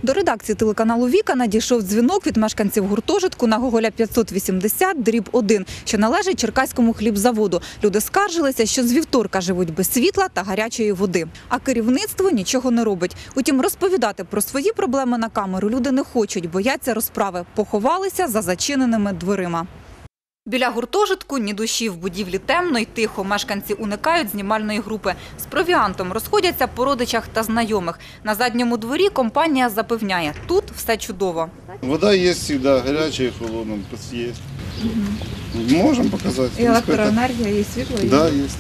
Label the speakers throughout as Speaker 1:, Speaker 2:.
Speaker 1: До редакції телеканалу «Віка» надійшов дзвінок від мешканців гуртожитку на Гоголя 580/1, що належить Черкаському хлібзаводу. Люди скаржилися, що з вівторка живуть без світла та гарячої води. А керівництво нічого не робить. Утім, розповідати про свої проблеми на камеру люди не хочуть, бояться розправи. Поховалися за зачиненими дверима. Біля гуртожитку ні душі, в будівлі темно й тихо. Мешканці уникають знімальної групи. З провіантом розходяться по родичах та знайомих. На задньому дворі компанія запевняє – тут все чудово.
Speaker 2: Вода є завжди, гаряча і холодна, є. Можемо показати.
Speaker 1: І електроенергія, і світло є?
Speaker 2: Так, є.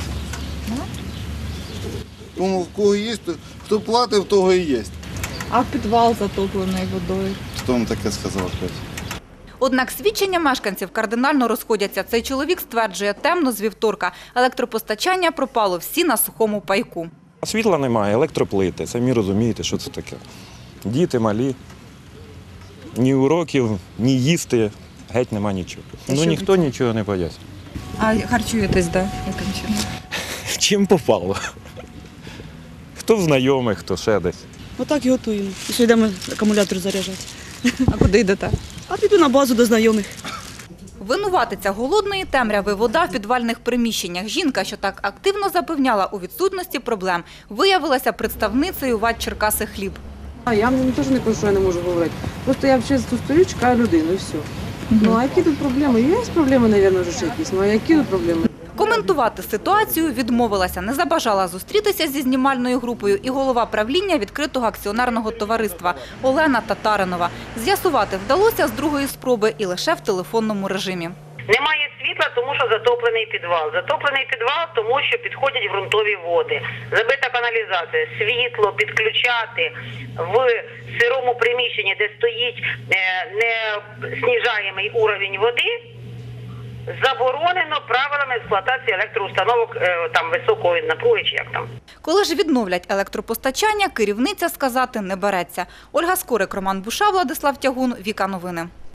Speaker 2: Тому в кого є, хто платить, в того і є.
Speaker 1: А підвал затоплений водою?
Speaker 2: Хто вам таке сказав?
Speaker 1: Однак свідчення мешканців кардинально розходяться. Цей чоловік стверджує, темно з вівторка. Електропостачання пропало, всі на сухому пайку.
Speaker 3: Світла немає, електроплити. Самі розумієте, що це таке. Діти малі. Ні уроків, ні їсти, геть нема нічого. Ніхто нічого не пояснює.
Speaker 1: А харчуєтесь де? Яким чином?
Speaker 3: Чим попало? Хто в знайомих, хто ще десь.
Speaker 4: Отак і готуємо. І ще йдемо акумулятор заряджати.
Speaker 1: А куди йдете?
Speaker 4: А піду на базу до знайомих.
Speaker 1: Винуватиця голодної темряви – вода в підвальних приміщеннях. Жінка, що так активно запевняла у відсутності проблем, виявилася представницею ВАТ «Черкасихліб».
Speaker 5: Я теж не кажу, що я не можу говорити. Просто я вже тут стою, чекаю людину і все. Ну а які тут проблеми? Є проблеми, мабуть, вже якісь. Ну а які тут проблеми?
Speaker 1: Коментувати ситуацію відмовилася. Не забажала зустрітися зі знімальною групою і голова правління відкритого акціонерного товариства Олена Татаринова. З'ясувати вдалося з другої спроби і лише в телефонному режимі.
Speaker 6: Немає світла, тому що затоплений підвал. Затоплений підвал, тому що підходять ґрунтові води. Забита каналізація, світло підключати в сирому приміщенні, де стоїть неснижаємий уровень води, заборонено правилами експлуатації електроустановок там високої напруги чи як там.
Speaker 1: Коли ж відновлять електропостачання, керівниця сказати не береться. Ольга Скорик, Роман Буша, Владислав Тягун, Віка Новини.